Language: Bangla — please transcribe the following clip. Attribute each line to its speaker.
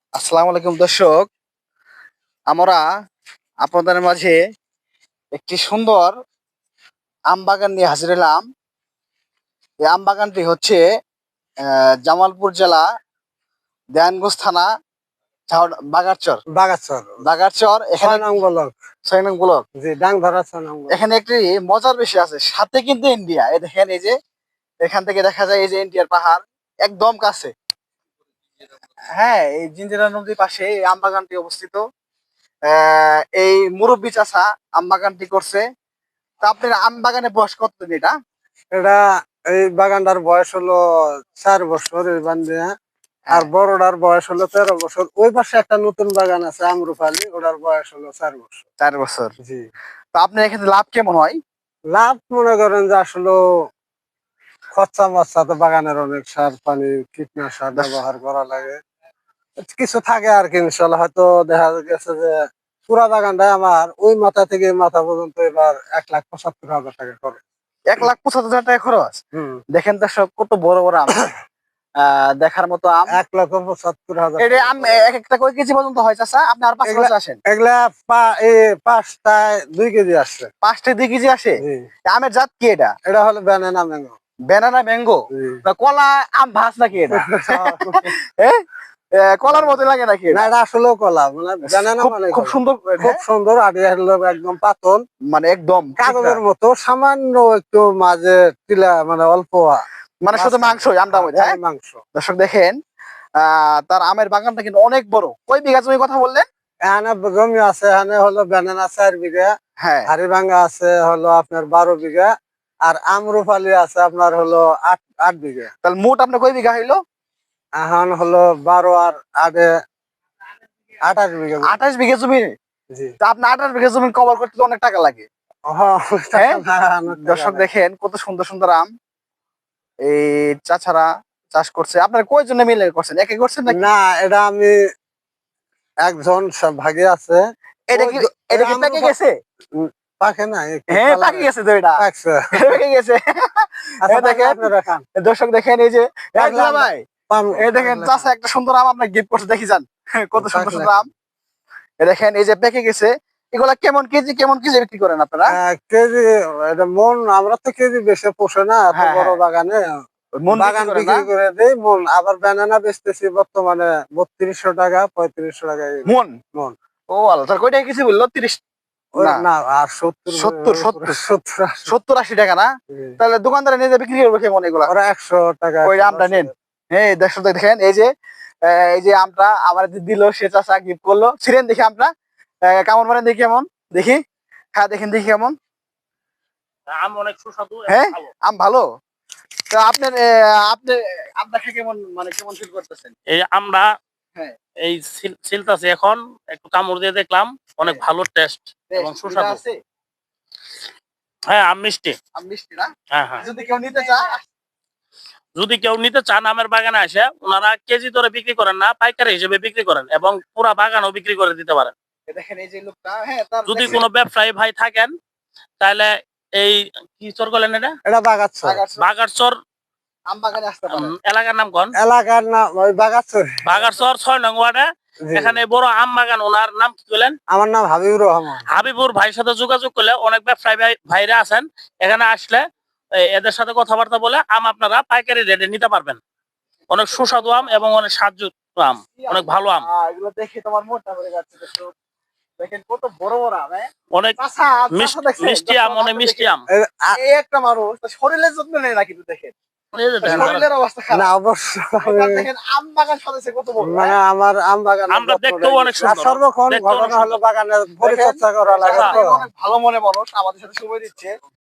Speaker 1: আসসালামু আলাইকুম দর্শক, আমরা আপনাদের মাঝে একটি সুন্দর আম বাগান নিয়ে হাজির হলাম। এই আম বাগানটি হচ্ছে জামালপুর জেলা দেয়ানগঞ্জ থানা বাগারচর
Speaker 2: বাগাছর
Speaker 1: বাগারচর এখানে
Speaker 2: 6 নং ব্লক।
Speaker 1: 6 নং ব্লক।
Speaker 2: জি, ডাংধরা 6 নং ব্লক।
Speaker 1: এখানে একটি মজার বিষয় আছে, সাথে কিন্তু ইন্ডিয়া। এই দেখেন, এই যে এখান থেকে দেখা যায় এই যে ইন্ডিয়ার পাহাড় একদম কাছে। হ্যাঁ, এই জিঞ্জিরা নদীর পাশে এই আম বাগানটি অবস্থিত। এই মুরব্বী চাষা আম বাগানটি করছে। তা আপনার আম বাগানে বয়স কতদিন এটা?
Speaker 2: এটা এই বাগানটার বয়স হলো 4 বছর এই বান্দিয়া। আর
Speaker 1: হ্যাঁ,
Speaker 2: বড়টার বয়স হলো 13 বছর। ওই পাশে একটা নতুন বাগান আছে আমরুপালি, ওটার বয়স হলো 4 বছর।
Speaker 1: 4 বছর।
Speaker 2: জি।
Speaker 1: তো আপনার এখানে লাভ কেমন হয়?
Speaker 2: লাভ মনে করেন যে আসলে খরচা মরচা তো বাগানের অনেক সার পানি কীটনাশক
Speaker 1: দশ-
Speaker 2: ব্যবহার করা লাগে, কিছু থাকে আর কি। ইনশাল্লাহ হয়তো দেখা গেছে যে পুরা বাগানটা আমার ওই মাথা থেকে এই মাথা পর্যন্ত এবার 1,75,000 টাকা খরচ।
Speaker 1: 1,75,000 টাকা খরচ।
Speaker 2: হুম।
Speaker 1: দেখেন দর্শক, কত বড় বড় আম, দেখার মতো আম।
Speaker 2: 1,75,000
Speaker 1: এটা
Speaker 2: টাকা
Speaker 1: আম
Speaker 2: খরচ।
Speaker 1: এক একটা কয় কেজি পর্যন্ত হয় চাচা? আপনি আর 5 বছর আসেন।
Speaker 2: এগুলা পাঁচটায় 2 কেজি আসছে।
Speaker 1: 5টে 2 কেজি আসে।
Speaker 2: জি।
Speaker 1: আমের জাত কি এটা?
Speaker 2: এটা হলো ব্যানানা ম্যাঙ্গো।
Speaker 1: ব্যানানা ম্যাঙ্গো
Speaker 2: জি।
Speaker 1: না কলা আম ভাস নাকি এটা? হ্যাঁ, কলার মতো লাগে নাকি
Speaker 2: না,
Speaker 1: এটা?
Speaker 2: এটা আসলেও কলা, মানে ব্যানানা
Speaker 1: খুব
Speaker 2: মানে
Speaker 1: খুব
Speaker 2: কলা।
Speaker 1: সুন্দর।
Speaker 2: খুব
Speaker 1: হ্যাঁ,
Speaker 2: সুন্দর, আর এটা হলো একদম পাতল
Speaker 1: মানে একদম ঠিকরা।
Speaker 2: কাগজের মতো, সামান্য একটু মাঝে টিলা, মানে অল্প
Speaker 1: মানে শুধু
Speaker 2: মাঝখানে।
Speaker 1: মাংসই আমটার মধ্যে।
Speaker 2: খালি
Speaker 1: হ্যাঁ
Speaker 2: মাংস।
Speaker 1: দর্শক দেখেন, তার আমের বাগানটা কিন্তু অনেক বড়। কয় বিঘা জমি কথা বললেন?
Speaker 2: এখানে জমি আছে, এখানে হলো ব্যানানা 4 বিঘা,
Speaker 1: হ্যাঁ,
Speaker 2: হাড়িভাঙ্গা আছে হলো আপনার 12 বিঘা, আর আমরুপালি আছে আপনার হলো 8 বিঘা।
Speaker 1: তাহলে মোট আপনার কয় বিঘা হইলো?
Speaker 2: এখন হলো 12 আর 8 28 বিঘা।
Speaker 1: 28 বিঘা জমি।
Speaker 2: জি।
Speaker 1: তা আপনার 28 বিঘা জমি কভার করতে তো অনেক টাকা লাগে।
Speaker 2: হ্যাঁ,
Speaker 1: হ্যাঁ
Speaker 2: অনেক টাকা
Speaker 1: দর্শক
Speaker 2: লাগে।
Speaker 1: দেখেন, কত সুন্দর সুন্দর আম এই চাচারা চাষ করছে। আপনার কয়জনে মিলে করছেন, একে করছেন নাকি?
Speaker 2: না, এটা আমি একজন ভাগে আছে।
Speaker 1: এটা
Speaker 2: ওই
Speaker 1: কি এটা কি পেকে গেছে?
Speaker 2: পাকে না, একটু
Speaker 1: হ্যাঁ, পাকে
Speaker 2: কালারে
Speaker 1: গেছে তো এটা।
Speaker 2: পাকছে।
Speaker 1: পেকে গেছে।
Speaker 2: আচ্ছা,
Speaker 1: এই
Speaker 2: পাকলে
Speaker 1: দেখেন
Speaker 2: আপনারা খান।
Speaker 1: দর্শক, দেখেন এই যে
Speaker 2: পাকলে আমরা
Speaker 1: ভাই, এই দেখেন
Speaker 2: পাকলে
Speaker 1: চাচা
Speaker 2: খান।
Speaker 1: একটা সুন্দর আম আপনার গিফট করছে, দেখি যান। কত সুন্দর
Speaker 2: পাকলে
Speaker 1: সুন্দর আম।
Speaker 2: খান।
Speaker 1: এই দেখেন, এই যে পেকে গেছে। এগুলা কেমন কেজি বিক্রি করেন আপনারা?
Speaker 2: কেজি, এটা মন, আমরা তো কেজি বেশি পোষে না এত
Speaker 1: হ্যাঁ,
Speaker 2: বড়
Speaker 1: হ্যাঁ,
Speaker 2: বাগানে।
Speaker 1: মন বিক্রি
Speaker 2: বাগান
Speaker 1: করেন না?
Speaker 2: বিক্রি করে দেই মন। আবার ব্যানানা বেচতেছি বর্তমানে 3200 টাকা, 3500 টাকা
Speaker 1: মন।
Speaker 2: মন।
Speaker 1: ও আল্লাহ, তার কয়টা কেজি বললো? 30?
Speaker 2: ওই
Speaker 1: না,
Speaker 2: না, আর 70
Speaker 1: সত্তর সত্তর
Speaker 2: 70
Speaker 1: 70-80 টাকা না? তাহলে দোকানদারে নিজে বিক্রি করবে কেমন এগুলা?
Speaker 2: ওরা 100 টাকা
Speaker 1: ওই আমটা
Speaker 2: 110
Speaker 1: নেন।
Speaker 2: টাকা।
Speaker 1: হ্যাঁ দর্শক দেখেন, এই যে আমটা আমার দিল, সে চাষা গিফট করলো। ছিলেন দেখি আমটা কেমন, মানে দেখি কেমন, দেখি। হ্যাঁ দেখেন, দেখি কেমন।
Speaker 3: আম অনেক সুস্বাদু এবং
Speaker 1: হ্যাঁ,
Speaker 3: ভালো।
Speaker 1: আম ভালো। তো আপনার আপনি আমটা খেয়ে কেমন, মানে কেমন ফিল করতেছেন?
Speaker 3: এই আমরা
Speaker 1: হ্যাঁ,
Speaker 3: এই ছিলতাছি এখন, একটু কামড় দিয়ে দেখলাম, অনেক
Speaker 1: হ্যাঁ,
Speaker 3: ভালো টেস্ট এবং
Speaker 1: বেশ মিঠা
Speaker 3: সুস্বাদু।
Speaker 1: আছে।
Speaker 3: হ্যাঁ, আম মিষ্টি।
Speaker 1: আম মিষ্টি না?
Speaker 3: হ্যাঁ, হ্যাঁ।
Speaker 1: যদি কেউ নিতে চায়?
Speaker 3: যদি কেউ নিতে চান আমের বাগানে আসে, ওনারা কেজি দরে বিক্রি করেন না, পাইকারি হিসেবে বিক্রি করেন এবং পুরা বাগানও বিক্রি করে দিতে পারেন।
Speaker 1: দেখেন এই যে লোকটা, হ্যাঁ তার
Speaker 3: যদি
Speaker 1: দেখেন
Speaker 3: কোনো ব্যবসায়ী ভাই থাকেন, তাহলে এই কি চর বলেন এটা,
Speaker 2: এটা বাগাচ্ছ।
Speaker 3: বাগারচর
Speaker 1: আম বাগানে আসতে পারেন।
Speaker 3: এলাকার নাম কোন?
Speaker 2: এলাকার নাম ওই বাগাচ্ছ।
Speaker 3: বাগারচর 6 নং ওয়ার্ডে।
Speaker 2: জি।
Speaker 3: এখানে বড় আম বাগান, ওনার নাম কি বলেন?
Speaker 2: আমার নাম হাবিবুর রহমান।
Speaker 3: হাবিবুর ভাইয়ের সাথে যোগাযোগ করলে অনেক ব্যবসায়ী ভাইরা আছেন, এখানে আসলে এদের সাথে কথাবার্তা বলে আম আপনারা পাইকারি রেটে নিতে পারবেন। অনেক সুস্বাদু আম এবং অনেক স্বাদযুক্ত আম, অনেক ভালো আম।
Speaker 1: এগুলো দেখে তোমার মনটা ভরে যাচ্ছে দর্শক। দেখেন কত বড় বড় আম।
Speaker 3: অনেক
Speaker 1: চাচা, চাচা দেখছেন?
Speaker 3: মিষ্টি আম,
Speaker 1: দর্শক,
Speaker 3: অনেক
Speaker 1: আপনি
Speaker 3: মিষ্টি
Speaker 1: দেখেন,
Speaker 3: আম।
Speaker 1: এই একটা মানুষ তার শরীরের যত্ন নেয় না কিন্তু দেখেন,
Speaker 3: এই যে
Speaker 1: তার
Speaker 3: দেখেন,
Speaker 1: শরীরের অবস্থা
Speaker 2: না,
Speaker 1: খারাপ।
Speaker 2: অবশ্যই।
Speaker 1: তার দেখেন আম বাগান সাজাইছে কত বড়।
Speaker 2: মানে
Speaker 1: হ্যাঁ?
Speaker 2: আমার আম বাগানের
Speaker 3: আমরা
Speaker 2: যত্ন
Speaker 3: দেখতেও
Speaker 2: নেই।
Speaker 3: অনেক
Speaker 2: আর
Speaker 3: সুন্দর,
Speaker 2: সর্বক্ষণ
Speaker 3: দেখতেও অনেক
Speaker 2: ঘটনা হলো
Speaker 3: সুন্দর।
Speaker 2: বাগানের
Speaker 1: দেখেন,
Speaker 2: পরিচর্যা করা লাগে
Speaker 1: চাচা
Speaker 2: তো।
Speaker 1: অনেক ভালো মনে মানুষ, আমাদের সাথে সময় দিচ্ছে।